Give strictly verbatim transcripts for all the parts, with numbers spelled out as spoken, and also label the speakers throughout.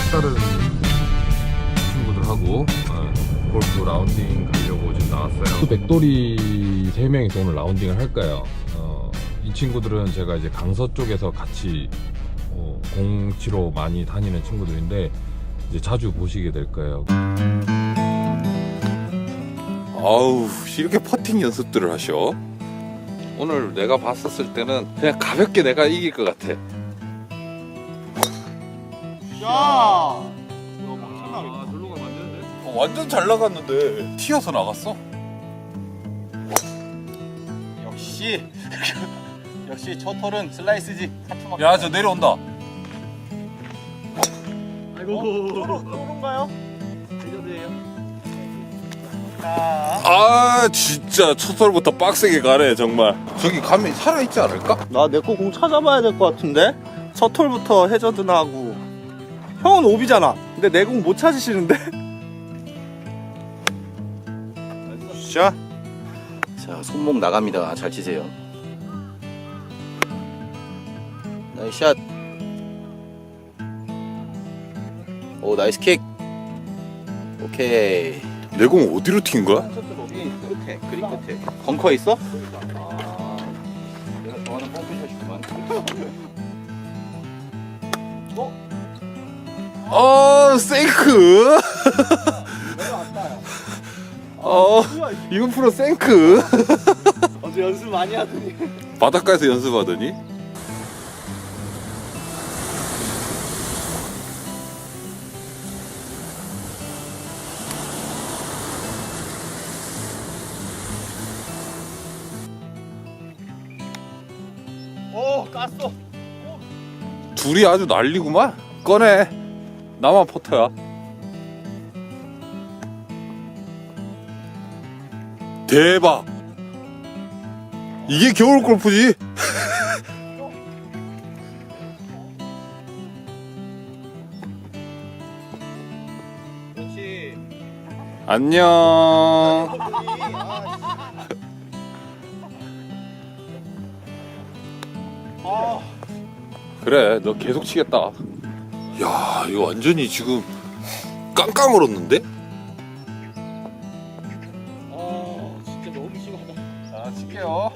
Speaker 1: 색다른 친구들하고 어, 골프 라운딩 가려고 지금 나왔어요. 백돌이 세 명이서 오늘 라운딩을 할 거예요. 어, 이 친구들은 제가 이제 강서 쪽에서 같이 어, 공치로 많이 다니는 친구들인데 이제 자주 보시게 될 거예요.
Speaker 2: 아우, 이렇게 퍼팅 연습들을 하셔? 오늘 내가 봤었을 때는 그냥 가볍게 내가 이길 것 같아.
Speaker 3: 야! 이거 막
Speaker 1: 아, 절로 가면 안 되는데?
Speaker 2: 어, 완전 잘 나갔는데 튀어서 나갔어?
Speaker 3: 역시 역시 첫 털은 슬라이스지. 카트막.
Speaker 2: 야, 저 내려온다.
Speaker 3: 아이고. 어, 또른가요? 레전드예요. 자,
Speaker 2: 아, 진짜 첫 털부터 빡세게 가네 정말. 저기 가면 살아있지 않을까?
Speaker 3: 나 내 거 공 찾아봐야 될 것 같은데. 첫 털부터 해저드나 하고. 형은 오비잖아. 근데 내 공 못 찾으시는데. 자, 자 손목 나갑니다. 잘 치세요. 나이스 샷. 오, 나이스 킥. 오케이.
Speaker 2: 내 공 어디로 튄 거야?
Speaker 3: 여기 끝에, 그린 끝에. 벙커에 있어? 아, 내가 좋아하는 펌프샷이구만.
Speaker 2: 어, 생크. 어, 이번 프로 생크.
Speaker 3: 어제 연습 많이 하더니.
Speaker 2: 바닷가에서 연습하더니.
Speaker 3: 오, 깠어.
Speaker 2: 둘이 아주 난리구만. 꺼내. 나만 포터야. 대박. 이게 겨울 골프지.
Speaker 3: 그렇지.
Speaker 2: 안녕.
Speaker 3: 아,
Speaker 2: 그래, 너 계속 치겠다. 야, 이거 완전히 지금 깡깡 얼었는데?
Speaker 3: 아, 진짜 너무 심하다.
Speaker 2: 자, 칠게요.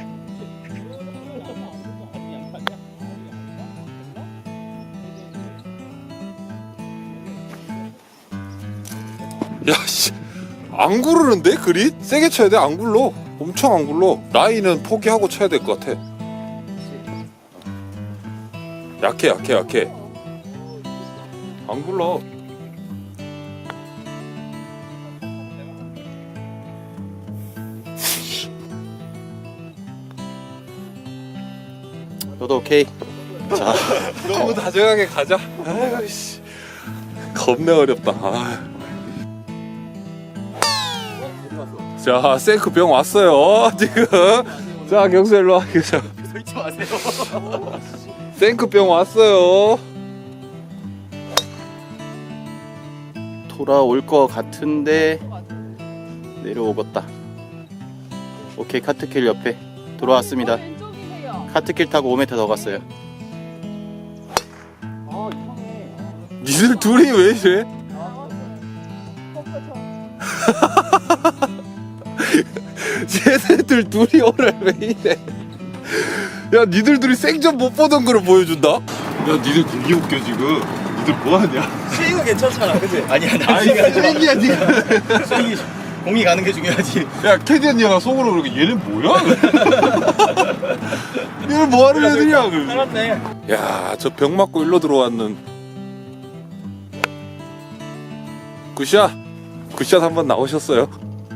Speaker 2: 야, 씨, 안 구르는데 그린? 세게 쳐야 돼. 안 굴러. 엄청 안 굴러. 라인은 포기하고 쳐야 될 것 같아. 약해, 약해, 약해. 안 굴러.
Speaker 3: 너도 오케이. 자,
Speaker 2: 너무 다정하게 가자. 아이씨, 겁내 어렵다. 아. 자, 생크 병 왔어요. 지금. 자, 경수 일로 와. 자,
Speaker 3: 서 있지 마세요.
Speaker 2: 생크 병 왔어요.
Speaker 3: 돌아올 것 같은데 내려오겠다. 오케이, 카트길 옆에 돌아왔습니다.
Speaker 4: 왼쪽이세요.
Speaker 3: 카트길 타고 오 미터 더 갔어요.
Speaker 4: 아 이상해.
Speaker 2: 니들 둘이 왜 이래? 쟤네들 둘이 오늘 왜 이래? 야, 니들 둘이 생전 못 보던 거를 보여준다? 야, 니들 되게 웃겨 지금. 니들 뭐하냐?
Speaker 3: 스윙은 괜찮잖아, 그치? 아니야,
Speaker 2: 아이, 쓰레기야 니가.
Speaker 3: 스윙이 공이 가는 게 중요하지.
Speaker 2: 야, 캐디 언니가 속으로 그러게 얘는 뭐야? 얘는 뭐하는 애들이야? 그러고.
Speaker 3: 살았네.
Speaker 2: 야, 저 병 맞고 일로 들어왔는 굿샷. 굿샷 한번 나오셨어요.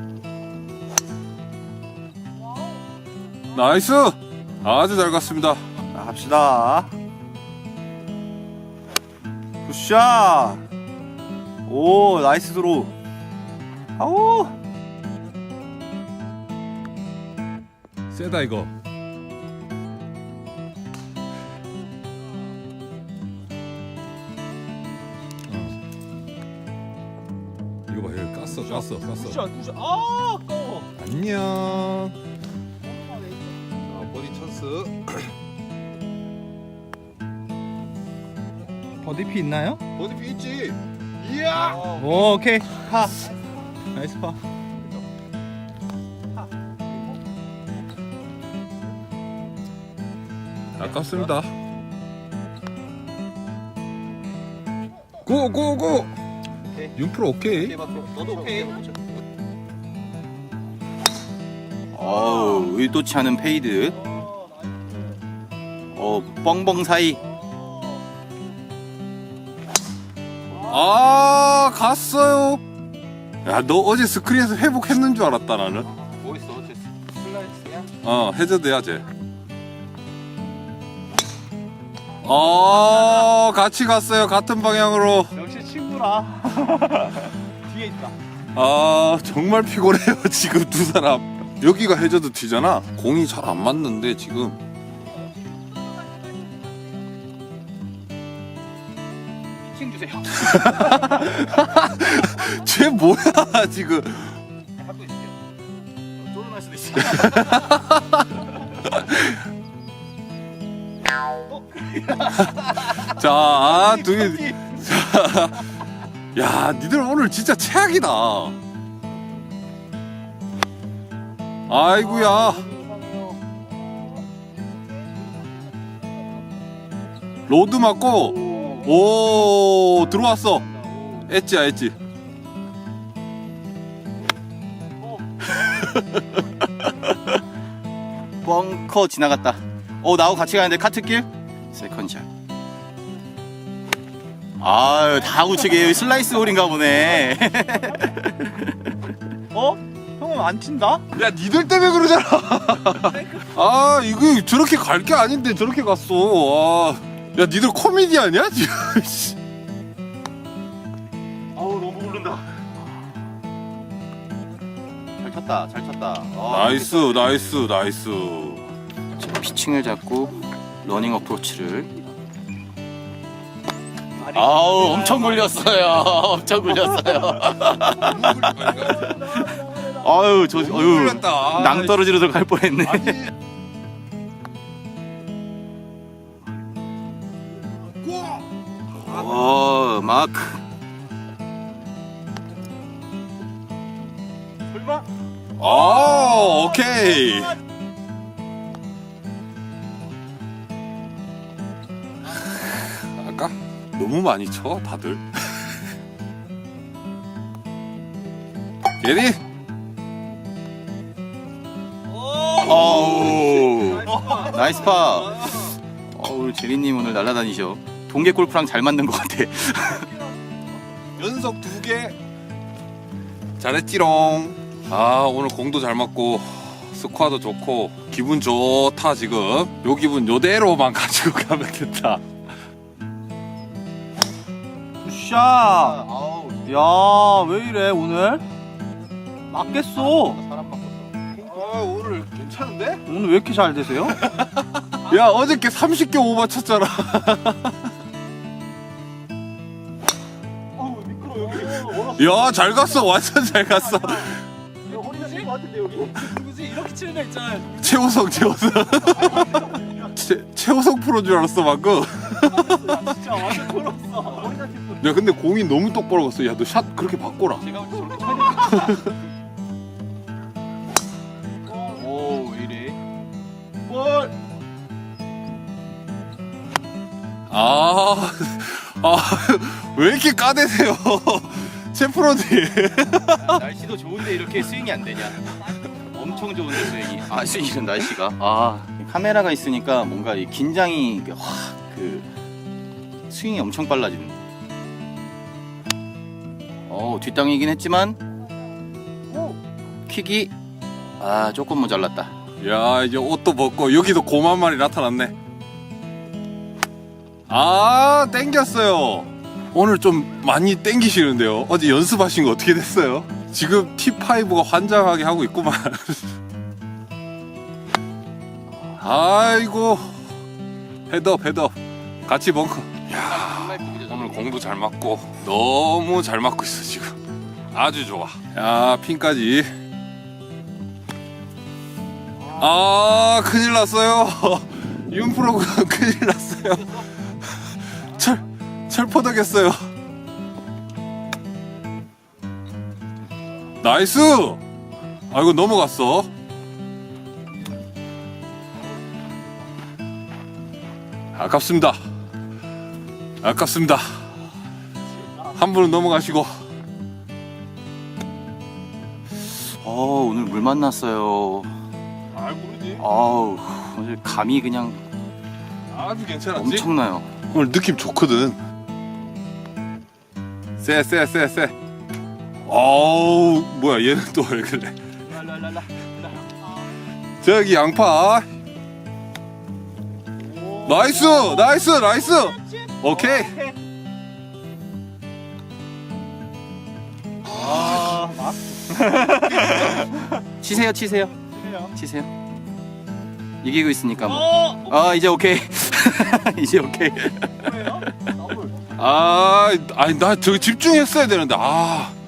Speaker 2: 나이스. 아주 잘 갔습니다.
Speaker 3: 자, 갑시다. 굿샷. 오, 나이스 드로우. 아우.
Speaker 1: 세다 이거. 이거 봐, 여기 깠어, 깠어, 깠어.
Speaker 3: 굿샷, 굿샷. 아, 아까워.
Speaker 1: 안녕. 자, 버디 찬스.
Speaker 3: 버디피 있나요?
Speaker 2: 버디피 있지. 이야.
Speaker 3: 오, 오케이. 파. 나이스 파.
Speaker 2: 아깝습니다. 고고고. 윤프로 오케이.
Speaker 3: 너도 오케이.
Speaker 5: 어우, 의도치 않은 페이드. 어, 뻥뻥 사이.
Speaker 2: 아 갔어요. 야 너 어제 스크린에서 회복했는 줄 알았다 나는.
Speaker 3: 뭐 있어? 어째 슬라이스야?
Speaker 2: 어 해저드야 쟤. 어 같이 갔어요 같은 방향으로.
Speaker 3: 역시 친구라. 뒤에 있다.
Speaker 2: 아 정말 피곤해요 지금 두 사람. 여기가 해저드 티잖아. 공이 잘 안 맞는데 지금.
Speaker 3: 칭 주세요.
Speaker 2: 쟤 뭐야 지금.
Speaker 3: 갖고 있을게요. 쫄아날 수도 있어.
Speaker 2: 자, 아, 둘이. 자, 야, 니들 오늘 진짜 최악이다. 아이구야. 로드 맞고, 오, 들어왔어. 엣지야, 엣지.
Speaker 5: 벙커 지나갔다. 어, 나하고 같이 가는데 카트길? 세컨샷. 아유, 다 우측에 슬라이스 홀인가 보네.
Speaker 3: 어? 형은 안 친다?
Speaker 2: 야, 니들 때문에 그러잖아. 아, 이거 저렇게 갈 게 아닌데 저렇게 갔어. 아. 야, 니들 코미디 아니야? 지금.
Speaker 5: 아우, 너무 오른다. 잘 쳤다, 잘 쳤다. 아,
Speaker 2: 나이스, 나이스, 나이스.
Speaker 5: 자, 피칭을 잡고 러닝 어프로치를. 아우, 엄청 굴렸어요. 엄청 굴렸어요. 아유, 저, 어유,
Speaker 2: 굴렸다.
Speaker 5: 낭떠러지로 들어갈 뻔했네. 어, 마크.
Speaker 3: 설마?
Speaker 2: 아, 오케이. 아까 너무 많이 쳐 다들. 예리.
Speaker 5: 어우, 나이스 파. 어우, 제리님 오늘 날아다니셔. 동계 골프랑 잘 맞는 것 같아.
Speaker 2: 연속 두 개. 잘했지롱. 아 오늘 공도 잘 맞고 스코어도 좋고 기분 좋다 지금. 요 기분 요대로만 가지고 가면 된다.
Speaker 3: 굿샷. 야, 왜 이래 오늘? 맞겠어.
Speaker 2: 아 오늘 괜찮은데?
Speaker 3: 오늘 왜 이렇게 잘 되세요?
Speaker 2: 야 어저께 삼십 개 오버 쳤잖아.
Speaker 3: 어우, 미끄러 여기.
Speaker 2: 야 잘 갔어 완전 잘 갔어.
Speaker 3: 허리가 찔것 같은데 여기. 누구지? 이렇게 치는 애 있잖아요.
Speaker 2: 최호성 최호성. 최, 최호성 프로인 줄 알았어 방금.
Speaker 3: 진짜 완전 돌았어. 허리가 찔 뻔.
Speaker 2: 야 근데 공이 너무 똑바로 갔어. 야 너 샷 그렇게 바꿔라.
Speaker 3: 제가 저렇게 쳐야 되겠다.
Speaker 5: 오, 왜 이래?
Speaker 3: 볼.
Speaker 2: 아, 아, 왜 이렇게 까대세요? 셰프로님.
Speaker 5: 날씨도 좋은데 이렇게 스윙이 안 되냐? 엄청 좋은데 스윙이. 아, 스윙이는 날씨가. 아, 카메라가 있으니까 뭔가 이 긴장이 확 그 스윙이 엄청 빨라지는. 어, 뒷땅이긴 했지만 킥이 아 조금 모자랐다.
Speaker 2: 야, 이제 옷도 벗고 여기도 곰 한 마리 나타났네. 아, 땡겼어요. 오늘 좀 많이 땡기시는데요. 어제 연습하신 거 어떻게 됐어요? 지금 티 파이브가 환장하게 하고 있구만. 아이고, 헤드업, 헤드업. 같이 벙커. 야, 오늘 공도 잘 맞고 너무 잘 맞고 있어 지금. 아주 좋아. 야, 핀까지. 아, 큰일 났어요. 윤프로가 큰일 났어요. 철, 철. 철퍼덕했어요. 나이스. 아이고 넘어갔어. 아깝습니다. 아깝습니다. 한 분은 넘어가시고.
Speaker 5: 어 오늘 물 만났어요.
Speaker 2: 아 모르지.
Speaker 5: 아우 오늘 감이 그냥
Speaker 2: 아주 괜찮았지.
Speaker 5: 엄청나요.
Speaker 2: 오늘 느낌 좋거든. 쎄, 쎄, 쎄, 쎄. 어우, 뭐야, 얘는 또 왜 그래? 저기 양파. 나이스, 나이스, 나이스. 오케이.
Speaker 3: 아, 막
Speaker 5: 치세요, 치세요,
Speaker 3: 치세요.
Speaker 5: 치세요. 이기고 있으니까 뭐.
Speaker 3: 어,
Speaker 5: 아 이제 오케이. 이제 오케이.
Speaker 3: 뭐예요? 더블.
Speaker 2: 아, 아니, 나 저기 집중했어야 되는데, 아.